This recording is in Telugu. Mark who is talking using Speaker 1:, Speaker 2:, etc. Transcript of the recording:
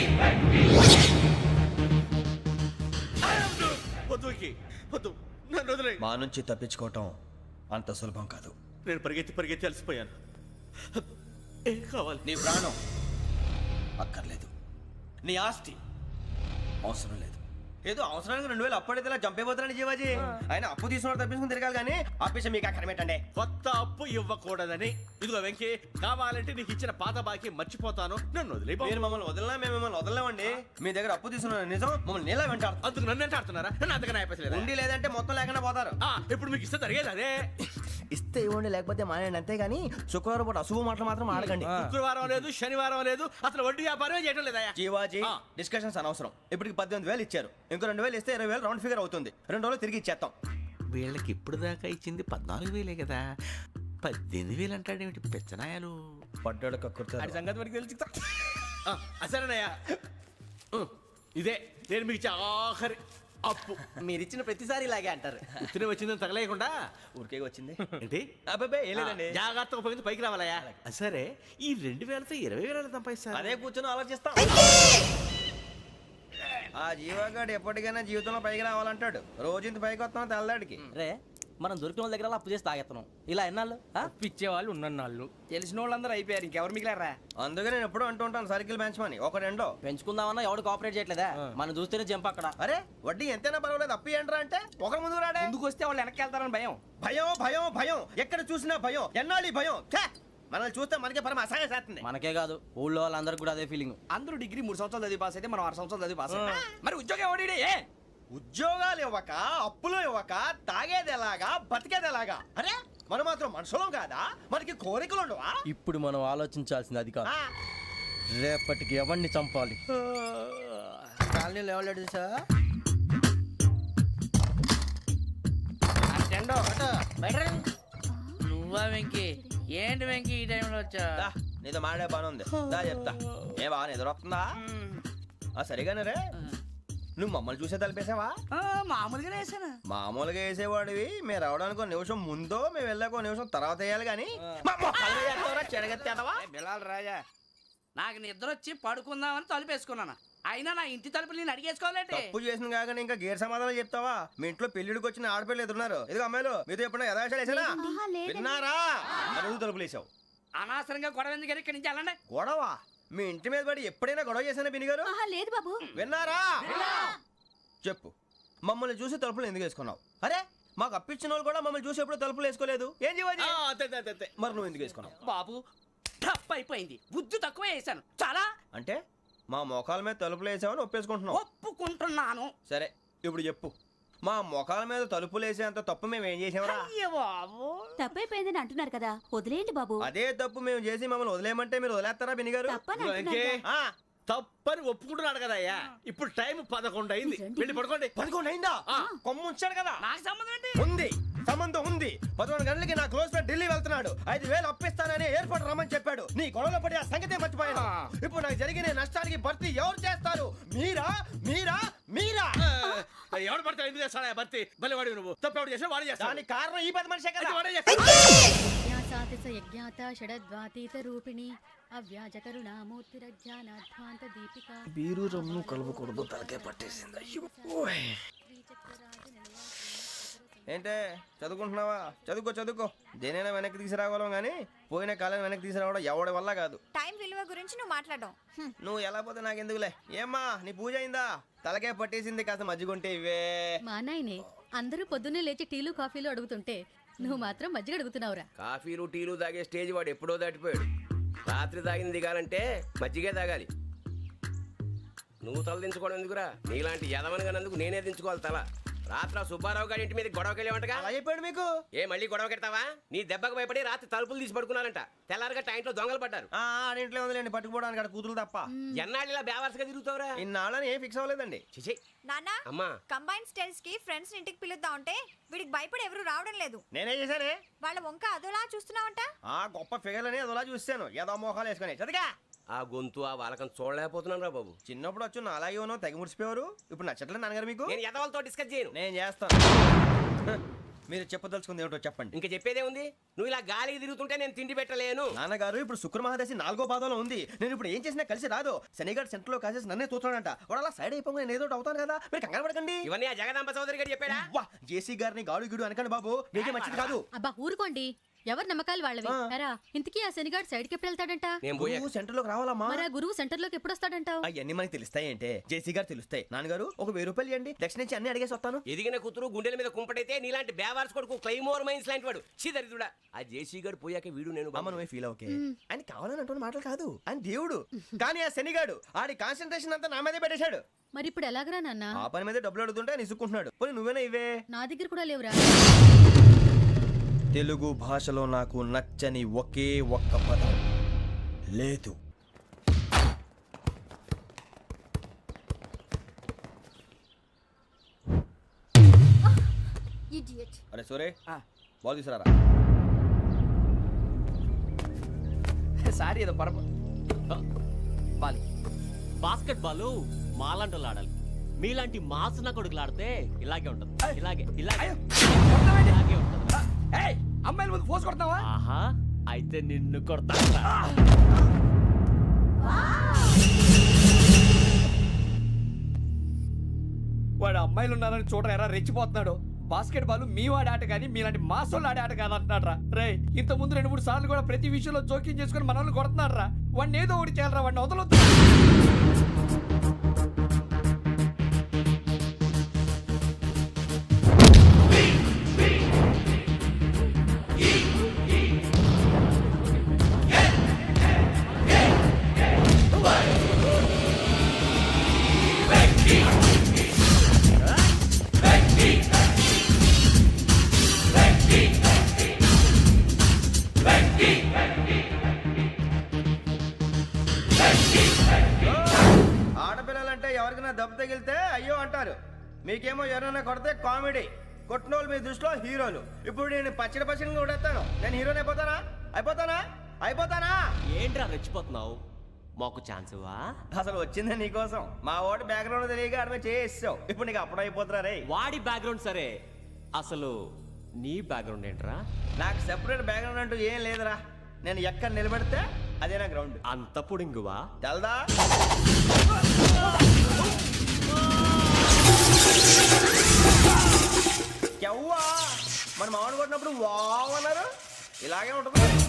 Speaker 1: వద్దు, నన్ను వదిలేయ్.
Speaker 2: మా నుంచి తప్పించుకోవటం అంత సులభం కాదు.
Speaker 1: నేను పరిగెత్తి అలసిపోయాను. ఏం కావాలి?
Speaker 2: నీ ప్రాణం అక్కర్లేదు, నీ ఆస్తి అవసరం లేదు. ఏదో అవసరానికి 2000 అప్పుడైతే ఇలా చంపేపోతున్నాడు జీవాజీ. ఆయన అప్పు తీసుకున్నాడు తప్పించుకుని తిరగాలి కానీ ఆపేసి మీకు అక్కడ పెట్టండి.
Speaker 1: కొత్త అప్పు ఇవ్వకూడదని. ఇదిగో వెంకీ, కావాలంటే నీకు ఇచ్చిన పాత బాకీ మర్చిపోతాను, నన్ను వదిలే.
Speaker 2: మీరు మమ్మల్ని వదిలినా మేము మిమ్మల్ని వదలలేమండి. మీ దగ్గర అప్పు తీసుకున్న నిజం మమ్మల్ని నీలా వెంటాడు.
Speaker 1: అందుకు నన్ను ఎంత ఆడుతున్నారా? నన్ను అంతగా నాయపసలేదు.
Speaker 2: ఉండి లేదంటే మొత్తం లేకుండా పోతారు.
Speaker 1: ఇప్పుడు మీకు ఇస్తే జరిగేది అదే.
Speaker 2: ఇస్తే ఇవ్వండి, లేకపోతే మానేయండి, అంతేగాని శుక్రవారం పూట అశుభ మాటలు మాత్రం ఆడకండి.
Speaker 1: శుక్రవారం లేదు, శనివారం లేదు, అసలు వడ్డీ వ్యాపారం చేయడం లేదా?
Speaker 2: జీవాజీ, డిస్కషన్స్ అనవసరం. ఇప్పటికి 18,000 ఇచ్చారు, ఇంకో 2,000 ఇస్తే 20,000 రౌండ్ ఫిగర్ అవుతుంది. 2 రోజులు తిరిగి ఇచ్చేస్తాం.
Speaker 1: వీళ్ళకి ఇప్పుడు దాకా ఇచ్చింది 14,000 కదా, 18,000 అంటాడేమిటి పెచ్చనాయాలు?
Speaker 2: పడ్డాడు కక్కుర్తాడు.
Speaker 1: సంగతి మనకి తెలుసు. సరేనయ్యా, ఇదే నేను మీకు ఇచ్చే ఆఖరి అప్పు.
Speaker 2: మీరిచ్చిన ప్రతిసారి ఇలాగే అంటారు.
Speaker 1: తిని వచ్చిందని తగలేయకుండా
Speaker 2: ఊరికే వచ్చింది
Speaker 1: ఏంటి?
Speaker 2: అబ్బాబే ఏం లేదండి.
Speaker 1: జాగ్రత్తగా ఉపయోగించి పైకి రావాలయ్యా. సరే, ఈ 2,000తో 20,000 సంపాదిస్తారు.
Speaker 2: అదే కూర్చొని ఆలోచిస్తాం. ఆ జీవగాడు ఎప్పటికైనా జీవితంలో పైకి రావాలంటాడు. రోజు ఇంత పైకి వస్తాం తెల్లడికి.
Speaker 3: రే, మనం దొరికిన వాళ్ళ దగ్గర అప్పు చేసి తాగెత్తనం. ఇలా ఎన్నాళ్ళు
Speaker 4: పిచ్చేవాళ్ళు ఉన్నన్నాళ్ళు తెలిసిన వాళ్ళందరూ అయిపోయారు, ఇంకెవరు మిగిలారా?
Speaker 2: అందుకే నేను ఎప్పుడూ అంటూ ఉంటాను, సర్కిల్ బెంచ్ మని ఒక రెండో
Speaker 3: పెంచుకుందామన్నా ఎవడు కోఆపరేట్ చేయట్లేదా? మనం చూస్తేనే జంప్ అక్కడ.
Speaker 2: అరే వడ్డీ ఎంతైనా పర్వాలేదు, అప్పు ఏంట్రా అంటే ఒక ముందు రాడే.
Speaker 4: ముందుకు వస్తే వాళ్ళు వెనక్కి వెళ్తారని భయం.
Speaker 2: భయం భయం భయం, ఎక్కడ చూసినా భయం. ఎన్నాళ్ళు భయం? మనల్ని చూస్తే మనకే పరమ అసహాయం చేస్తుంది.
Speaker 3: మనకే కాదు, ఊళ్ళో వాళ్ళందరికీ కూడా అదే ఫీలింగ్.
Speaker 4: అందరూ డిగ్రీ 3 సంవత్సరాలు చదివి పాస్ అయితే మనం 6 సంవత్సరాలు చదివి పాస్ అయ్యాం. మరి ఉద్యోగం ఎవడి?
Speaker 2: ఉద్యోగాలు ఇవ్వక, అప్పులు ఇవ్వక, తాగేది ఎలాగా, బతికేది ఎలాగా? అరే మనం మాత్రం మనుషులం కాదా? మనకి కోరికలు ఉండవా?
Speaker 3: ఇప్పుడు మనం ఆలోచించాల్సింది అది కాదు, రేపటికి ఎవరిని చంపాలి. కాలనీలో ఎవరు సార్?
Speaker 5: నువ్వా వెంకీ? ఏంటి వెంకీ ఈ టైంలో వచ్చా?
Speaker 2: నీతో మాడే పని ఉంది, దా చెప్తా. ఏ బాగా నిద్రొస్తుందా? సరిగానే రే, నువ్వు మమ్మల్ని చూసే తలిపేసావా?
Speaker 5: మామూలుగానే వేసాను.
Speaker 2: మామూలుగా వేసేవాడివి. మేము రావడానికి 1 నిమిషం ముందో, మేము వెళ్ళాక 1 నిమిషం తర్వాత వేయాలి కానీ
Speaker 4: బిలాల్ రాజా,
Speaker 5: నాకు నిద్ర వచ్చి పడుకుందామని తలుపేసుకున్నాను. అయినా నా ఇంటి తలుపులు నేను అడిగేసుకోవాలంటే
Speaker 2: తప్పు చేసిన కాక ఇంకా గేర్ సమాధానం చెప్తావా? మీ ఇంట్లో పెళ్లిడికి వచ్చిన ఆడపిల్లలు ఎదురున్నారు. ఇదిగో అమ్మాయిలు, మీతో ఎప్పుడైనా యథాశాలు వేసానా? విన్నారా? అడుగు తలుపులు వేసావు.
Speaker 5: అనవసరంగా గొడవ ఎందుకు? ఇక్కడి నుంచి వెళ్ళండి.
Speaker 2: గొడవ? మీ ఇంటి మీద పడి ఎప్పుడైనా గొడవ చేశానా బినిగారు?
Speaker 6: లేదు బాబు.
Speaker 2: విన్నారా? చెప్పు, మమ్మల్ని చూసి తలుపులు ఎందుకు వేసుకున్నావు? అరే మాకు అప్పించిన వాళ్ళు కూడా మమ్మల్ని చూసి ఎప్పుడు తలుపులు వేసుకోలేదు. ఏం చేయాలి? మరి నువ్వు ఎందుకు వేసుకున్నావు?
Speaker 5: బాబు టప్ అయిపోయింది, బుద్ధి తక్కువ వేసాను చాలా.
Speaker 2: అంటే మా మోకాల మీద తలుపులు వేసామని ఒప్పేసుకుంటున్నావు?
Speaker 5: ఒప్పుకుంటున్నాను.
Speaker 2: సరే ఇప్పుడు చెప్పు, మా మొఖాల మీద తలుపులు వేసేంత తప్పు మేము ఏం చేసామరా?
Speaker 6: తప్పైపోయిందని అంటున్నారు కదా, వదిలేయండి బాబు.
Speaker 2: అదే తప్పు మేము చేసి మమ్మల్ని వదిలేయమంటే మీరు వదిలేస్తారా బినిగారు?
Speaker 1: తప్పని ఒప్పుకుంటున్నాడు కదా అయ్యా. ఇప్పుడు టైం 11 అయింది, వెళ్ళి పడుకోండి.
Speaker 2: 11 అయిందా? కొమ్ము ఉంచాడు కదా.
Speaker 5: నాకు సంబంధం ఏంటి?
Speaker 2: ఉంది, సంబంధం ఉంది. 11 గంటలకి నా క్లోజ్ ఫ్రెండ్ ఢిల్లీ వెళ్తున్నాడు. 5,000 అప్పిస్తానని ఎయిర్పోర్ట్ రమ్మని చెప్పాడు. నీ గొడవలో పడి ఆ సంగతే మర్చిపోయాను. ఇప్పుడు నాకు జరిగిన నష్టానికి భర్తీ ఎవరు చేస్తారు? మీరా మీరా మీరా?
Speaker 1: ఎవడు పడితే ఎందుకు చేస్తాడా భర్తీ? మళ్ళీ వాడి నువ్వు తప్పు ఎవడు చేసినా వాడు చేస్తాడు.
Speaker 2: దానికి కారణం ఈ 10 మనిషే కదా.
Speaker 1: వాడే చేస్తాడు.
Speaker 2: బీరు రమ్ము కలుపుకూడదు, తలకే పట్టేసింది. ఏంటే చదువుకుంటున్నావా? చదువుకో చదువుకో. దేనైనా వెనక్కి తీసుకురావాలం కానీ పోయిన కాలం వెనక్కి తీసుకురావడం ఎవడి వల్ల కాదు.
Speaker 6: టైం విలువ గురించి నువ్వు మాట్లాడడం.
Speaker 2: నువ్వు ఎలా పోతే నాకు ఎందుకులే. ఏమ్మా నీ పూజ అయిందా? తలకే పట్టేసింది, కాస్త మజ్జిగుంటే ఇవే.
Speaker 6: మా నాయనే అందరూ పొద్దున్నే లేచి టీలు కాఫీలు అడుగుతుంటే నువ్వు మాత్రం మజ్జిగ అడుగుతున్నావురా.
Speaker 7: కాఫీలు టీలు తాగే స్టేజ్ వాడు ఎప్పుడో దాటిపోయాడు. రాత్రి తాగింది దిగాలంటే మజ్జిగే తాగాలి. నువ్వు తల దించుకోవడం ఎందుకురా? నీలాంటి యదవనగానందుకు నేనే దించుకోవాలి తల. రాత్రి సుబ్బారావు గారి ఇంటి మీద గొడవకి వెళ్ళేవంటగా.
Speaker 2: అలా చెప్పాడు మీకు?
Speaker 7: ఏ మళ్ళీ గొడవ కెడతావా? నీ దెబ్బకు భయపడి రాత్రి తలుపులు తీసి పడుకున్నారంట. తెల్లారగా టైంట్లో దొంగలు పడ్డారు.
Speaker 2: ఆడింట్లో ఉందిలేండి, పట్టుకుపోవడానికి అక్కడ కూతురు తప్ప.
Speaker 7: ఎన్నాళ్ళు ఇలా బేవర్స్గా తిరుగుతావురా?
Speaker 2: ఇన్నాళ్ళని ఏం ఫిక్స్ అవ్వలేదండి.
Speaker 7: చిచి
Speaker 6: నాన్న,
Speaker 7: అమ్మా,
Speaker 6: కంబైన్ స్టైల్స్ కి ఫ్రెండ్స్ ఇంటికి పిలుద్దాం అంటే వీడికి భయపడి ఎవరు రావడం లేదు.
Speaker 2: నేనే చేశానే.
Speaker 6: వాళ్ళ వంక అదోలా చూస్తున్నావంట.
Speaker 2: గొప్ప ఫిగర్లని అదోలా చూస్తాను, ఏదో మోహాలు వేసుకొని. చదిగా
Speaker 7: ఆ గొంతు ఆ వాలకం చూడలేకపోతున్నాను రా బాబు.
Speaker 2: చిన్నప్పుడు వచ్చి నా అలాగే ఉన్నావు, తెగ ముడిచిపోయారు. ఇప్పుడు నచ్చట్లేదు నాన్నగారు మీకు?
Speaker 7: నేను యదవలతో డిస్కస్ చేయను.
Speaker 2: నేను చేస్తాను. మీరు చెప్పదలుచుకుంది ఏమిటో చెప్పండి.
Speaker 7: ఇంకా చెప్పేదే ఉంది. నువ్వు ఇలా గాలికి తిరుగుతుంటే నేను తిండి పెట్టలేను.
Speaker 2: నాన్నగారు ఇప్పుడు శుక్ర మహాదశి 4వ పాదంలో ఉంది. నేను ఇప్పుడు ఏం చేసినా కలిసి రాదు. శనిగారు సెంటర్ లో కాసేసి నన్నే చూస్తున్నాడంట. వాడు అలా సైడ్ అయిపోయి నేను ఏదో ఒకటి అవుతాను కదా, మీరు కంగారు పడకండి.
Speaker 7: ఇవన్నీ ఆ జగదాంబ చౌదరి గారు చెప్పాడా?
Speaker 2: వా జేసీ గారిని గాడు గిడు అనకండి బాబు, మీకే మంచిది కాదు.
Speaker 6: అబ్బా ఊరుకోండి, ఎవరి నమ్మకాలు వాళ్ళవి. ఎరా ఇంతకీ ఆ శనిగాడు సైడ్కి ఎప్పుడు వెళ్తాడంట?
Speaker 7: నేను పోయా.
Speaker 2: నువ్వు సెంటర్ లోకి రావాలమ్మా.
Speaker 6: మరి ఆ గురువు సెంటర్ లోకి ఎప్పుడు వస్తాడంటావు?
Speaker 2: అవన్నీ మనకి తెలుస్తాయి అంటే జేసీ గారు తెలుస్తాయి. నాన్నగారు ఒక 1000 రూపాయలు ఇవ్వండి, దక్షిణ నుంచి అన్ని అడిగేసి వస్తాను.
Speaker 7: ఎదిగిన కూతురు గుండెల మీద కుంపటైతే నీలాంటి బేవార్స్ కొడుకు క్లైమోర్ మైన్స్ లాంటి వాడు దరిద్రుడా. ఆ జేసీ గారు పోయాక వీడు నేను
Speaker 2: అమ్మ నువ్వే ఫీల్ ఓకే. ఆయన కావాలని అంటున్న మాటలు కాదు, ఆయన దేవుడు. కానీ ఆ శనిగాడు ఆడి కాన్సన్ట్రేషన్ అంతా నా మీదే పెట్టేశాడు.
Speaker 6: మరి ఇప్పుడు ఎలాగరా నాన్న?
Speaker 2: ఆ పని మీద డబ్బులు అడుగుతుంటే నిసుక్కుంటున్నాడు. పోనీ నువ్వేనా ఇవే?
Speaker 6: నా దగ్గర కూడా లేవురా.
Speaker 2: తెలుగు భాషలో నాకు నచ్చని ఒకే ఒక్క పదం లేదు. అరే సోరే బాల్ తీసుకురారా.
Speaker 4: సారీ ఏదో పరప బాలి.
Speaker 8: బాస్కెట్ బాల్ మాలాంటి ఆడాలి. మీలాంటి మాసన కొడుకులు ఆడితే ఇలాగే ఉంటది. ఇలాగే ఇలాగే ఇలాగే ఉంటది.
Speaker 4: అమ్మాయిల ముందు ఫోర్స్ కొడతావా?
Speaker 8: ఆహా, అయితే నిన్ను కొడతా.
Speaker 4: వాడు అమ్మాయిలు ఉన్నారని చూడరా ఎరా రెచ్చిపోతున్నాడు. బాస్కెట్ బాల్ మీ వాడి ఆట కానీ మీలాంటి మాసోళ్ళు ఆడే ఆట కాదు అంటున్నాడు రా. రే ఇంత ముందు 2-3 సార్లు కూడా ప్రతి విషయంలో జోక్యం చేసుకుని మన వాళ్ళు కొడుతున్నాడు రా. వాడిని ఏదో ఒకటి చేయాలరా, వాడిని వదలొద్దు.
Speaker 2: ఆడపిల్లలంటే ఎవరికైనా దెబ్బ తగిలితే అయ్యో అంటారు, మీకేమో ఎవరైనా కొడితే కామెడీ. కొట్టినోళ్ళు మీ దృష్టిలో హీరోలు. ఇప్పుడు నేను పచ్చడి కొడేస్తాను, నేను హీరోని అయిపోతానా?
Speaker 8: ఏంట్రా రెచ్చిపోతున్నావు? మాకు ఛాన్స్ ఇవ్వా?
Speaker 2: అసలు వచ్చిందే నీకోసం. మా ఓటు బ్యాక్గ్రౌండ్ తెలియక ఆడమే చేసావు. ఇప్పుడు నీకు అప్పుడు అయిపోతున్నా రే.
Speaker 8: వాడి బ్యాక్గ్రౌండ్ సరే, అసలు నీ బ్యాక్గ్రౌండ్ ఏంట్రా?
Speaker 2: నాకు సెపరేట్ బ్యాక్గ్రౌండ్ అంటూ ఏం లేదురా. నేను ఎక్కడ నిలబెడితే అదే నా గ్రౌండ్.
Speaker 8: అంత పుడింగువా?
Speaker 2: తెల్దా? మన మామిడి కొట్టినప్పుడు వావ్ అన్నారు, ఇలాగే ఉంటుంది.